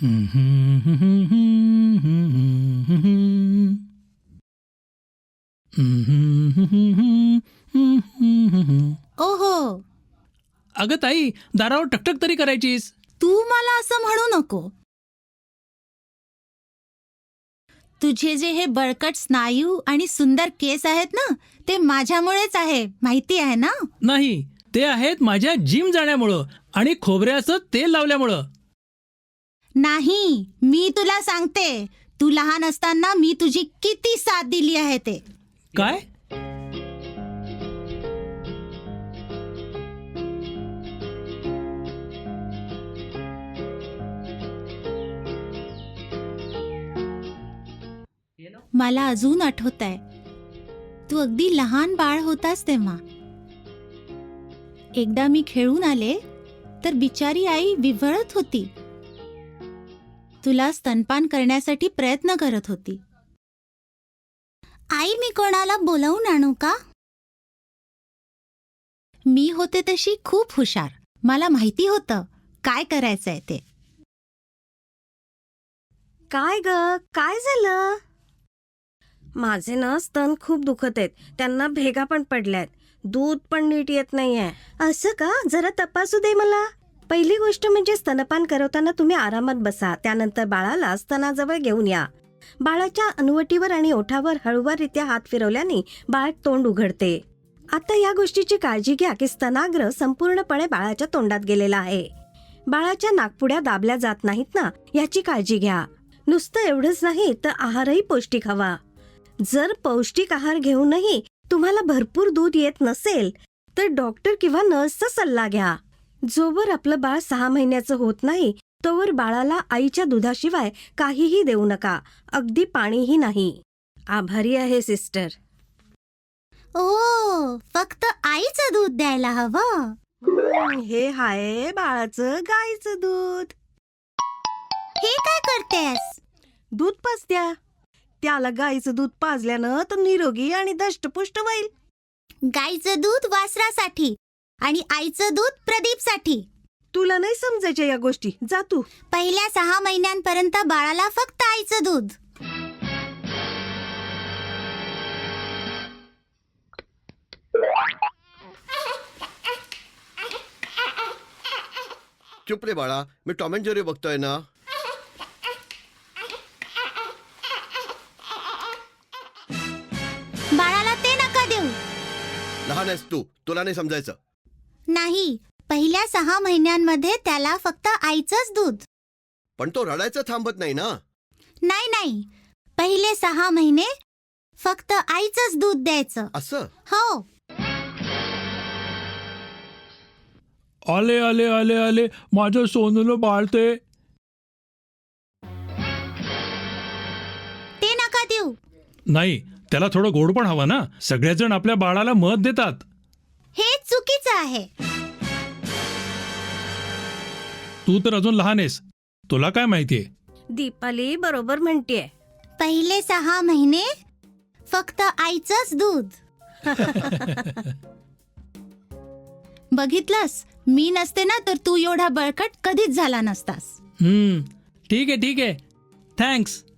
ओहो, अगं ताई, दारावर टकटक तरी करायचीस. तू मला असं म्हणू नको. तुझे जे हे बळकट स्नायू आणि सुंदर केस आहेत ना, ते माझ्यामुळेच आहे, माहिती आहे ना? नाही, ते आहेत माझ्या जिम जाण्यामुळं आणि खोबऱ्याचं तेल लावल्यामुळं. नाही, मी तुला सांगते, तू लहान असताना मी तुझी किती साथ दिली आहे ते. काय? मला अजून आठवत आहे, तू अगदी लहान बाळ होतास तेव्हा. एकदा मी खेळून आले तर बिचारी आई विव्हळत होती. तुला स्तनपान करण्यासाठी प्रयत्न करत होती. आई, मी कोणाला बोलावून आणू का? मी होते तशी खूप हुशार. मला माहिती होतं काय करायचंय ते. काय ग, काय झालं? माझे ना स्तन खूप दुखत आहेत. त्यांना भेगा पण पडल्यात. दूध पण नीट येत नाहीये. असं का? जरा तपासू दे मला. पहिली गोष्ट म्हणजे स्तनपान करवताना तुम्ही आरामात बसा. त्यानंतर बाळाला स्तनाजवळ घेऊन या. बाळाच्या अनुवटीवर आणि ओठावर हळूवाररित्या हात फिरवल्याने बाळ तोंड उघडते. आता या गोष्टीची काळजी घ्या की स्तनाग्र संपूर्णपणे बाळाच्या तोंडात गेलेला आहे. बाळाच्या नाकपुड्या दाबल्या जात नाहीत ना, याची काळजी घ्या. नुसतं एवढंच नाही तर आहारही पौष्टिक हवा. जर पौष्टिक आहार घेऊनही तुम्हाला भरपूर दूध येत नसेल तर डॉक्टर किंवा नर्सचा सल्ला घ्या. जोवर आपलं बाळ 6 महिन्याचं होत नाही तोवर बाळाला आईच्या दुधाशिवाय काहीही देऊ नका, अगदी पाणीही नाही. आभारी आहे सिस्टर. ओ, फक्त आईचं दूध द्यायला हवं. हे आहे बाळाचं गाईचं दूध. हे काय करतेस? दूध पाजत्या. त्याला गाईचं दूध पाजल्यानं तर निरोगी आणि दष्टपुष्ट होईल. गाईचं दूध वासरासाठी आणि आईचं दूध प्रदीपसाठी. तुला नाही समजायच्या या गोष्टी. जा तू. पहिल्या 6 महिन्यांपर्यंत बाळाला फक्त आईचं दूध. चुप रे बाळा, मी टॉम अँड जेरी बघतोय ना. बाळाला ते नका देऊ. लहान आहेस तू, तुला नाही समजायचं. नाही, पहिल्या 6 महिन्यांमध्ये त्याला फक्त आईचंच दूध. पण तो रडायचं थांबत नाही ना. नाही नाही, पहिले 6 महिने फक्त आईचंच दूध द्यायचं. असं? हो. आले आले आले आले, माझं सोनूला बाळते. ते नका देऊ. नाही, त्याला थोडं गोड पण हवं ना. सगळेजण आपल्या बाळाला मत देतात. हे चुकीचं आहे. तू तर अजून लहान आहेस, तुला काय माहितीये. दीपाली बरोबर म्हणतेय. पहिले 6 महिने फक्त आईचंच दूध. बघितलंस, मी नसते ना तर तू एवढा बळकट कधीच झाला नसतास. ठीक आहे, थँक्स.